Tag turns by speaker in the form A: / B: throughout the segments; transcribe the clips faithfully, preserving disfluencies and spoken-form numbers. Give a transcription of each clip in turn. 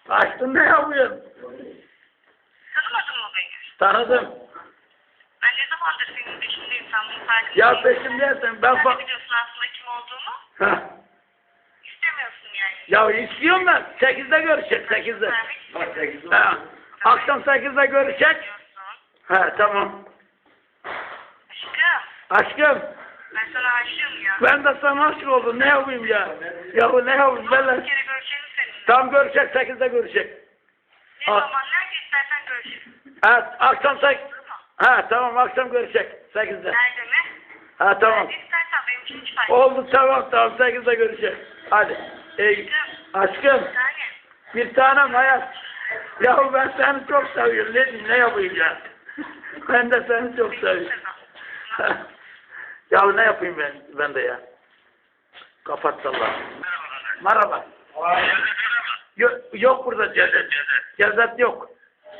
A: Açtın ne yapıyorsun?
B: Tanımadın mı beni?
A: Tanıdım.
B: Ben ne zamandır senin peşindeyim, sen bunun farkında
A: Ya
B: değilsin.
A: peşimdesin. Ben
B: Sen
A: fa...
B: de biliyorsun aslında kim olduğumu.
A: Heh.
B: İstemiyorsun yani.
A: Ya istiyorum ben. Sekizde görüşecek. Sekizde. Ha. Akşam sekizde görüşecek.
B: Diyorsun.
A: Ha tamam.
B: Aşkım,
A: Aşkım.
B: ben sana aşığım ya.
A: Ben de sana aşık oldum. Ne yapayım ya? Ya bu ne yapayım? Ben
B: Bir
A: de...
B: kere görüşelim seninle.
A: Tam görüşecek. Sekizde görüşecek.
B: Ne
A: Ha.
B: zaman, nerede istersen görüşelim.
A: Ha akşam sek...
B: Olur mu?
A: Ha tamam akşam görüşecek. Sekizde.
B: Nerede mi?
A: Ha tamam.
B: Nerede istersen benim için hiç fark etmez.
A: Oldu tamam tamam. Sekizde görüşecek. Hadi. Ey, aşkım.
B: Bir tane.
A: Bir tanem hayat. Yahu ben seni çok seviyorum. Ne diyeyim, ne yapayım ya? Ben de seni çok seviyorum. Ya ne yapayım ben, ben de ya? Kapat sallah. Merhaba. Yok, yok burada cezet. Cezet yok.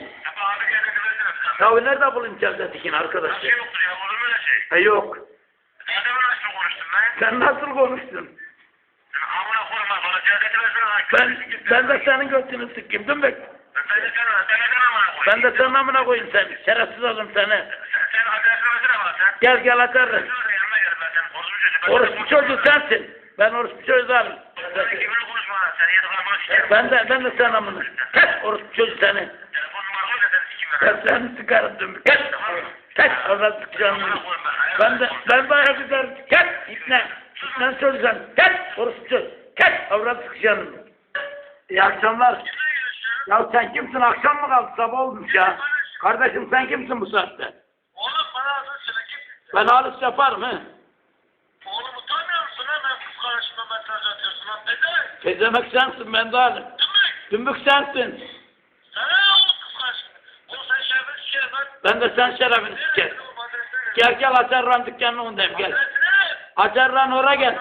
A: Ya nerede bulayım cezetikini arkadaş?
C: Nasıl yoktur ya? Olur mu öyle şey?
A: E yok.
C: Nerede mi nasıl konuştun lan?
A: Sen nasıl konuştun?
C: Sen amına koyma bana cezeti versene lan.
A: Ben, ben de senin götünü sıkayım değil mi?
C: Ben de sana, ben de sana amına koyayım.
A: Ben de senin amına koyayım seni. Şerefsiz oğlum seni.
C: Sen, sen adresini versene bana sen.
A: Gel gel atarım.
C: Sen de yanına gel ben senin konuşmuş çocuğum. Ben
A: Orospu
C: senin
A: çocuğu
C: konuşmam.
A: sensin. Ben orospu çocuğu değilim.
C: Sen kimine konuşma lan. Sen yediklerimi sikerim.
A: Ben de ben de sen amına. Kes orospu çocuğu seni.
C: Telefon numaramı ver de seni sikeyim ben.
A: Ben seni sıkarım dümdüz. Kes. Kes. Oradan sıkacağım. Ben de ben de ayak giderim. Kes. İpne. İpne çocuğu sen. Kes. Orospu çocuğu. Kes. Oradan sıkacağım. İyi akşamlar.
C: Kimle görüşüyorum?
A: Ya sen kimsin? Akşam mı kaldı? Sabah olmuş ya. Kardeşim sen kimsin bu saatte?
C: Oğlum bana adını söyle kimsin?
A: Ben halis yaparım he.
C: Oğlum utanmıyor musun lan? Ben kız karşıma mesaj atıyorsun lan. Neden?
A: Tezemek sensin ben de halim.
C: Dümbük.
A: Dümbük sensin.
C: Sana ne oğlum kız karşıma? Oğlum sen şerbet sikerim lan.
A: Ben de sen şerefini siker. Gel gel Acarran dükkanının önündeyim gel. Acarran oraya gel.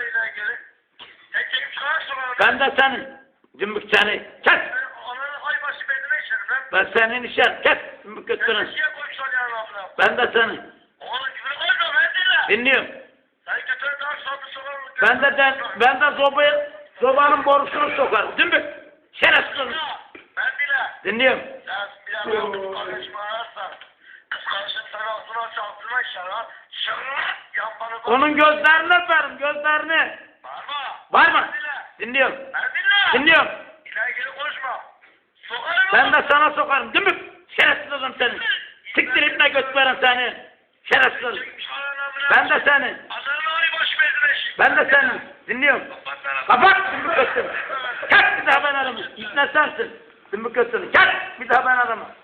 A: Ben de senin. Dümbük seni. Kes. Ben senin işer. Kes. Dümbük götürün. Ben de senin. Dinliyorum. Ben de ben, ben de zobayı, zobanın borusunu sokarım. Dümbük. Şerefsiz olun. Dinliyorum. Onun gözlerini öperim. Gözlerini. Var mı? Dinliyorum. Dinliyorum. Ben de sana sokarım. Dümbük. Şerefsiz olun senin. Siktir itme götürürüm seni. Şerefsiz olun. Ben de senin. Ben de senin. Dinliyorum. Kapat dümbük götürün. Kalk bir daha ben aramı. İpne sensin. Dümbük götürün. Kalk bir daha ben aramı.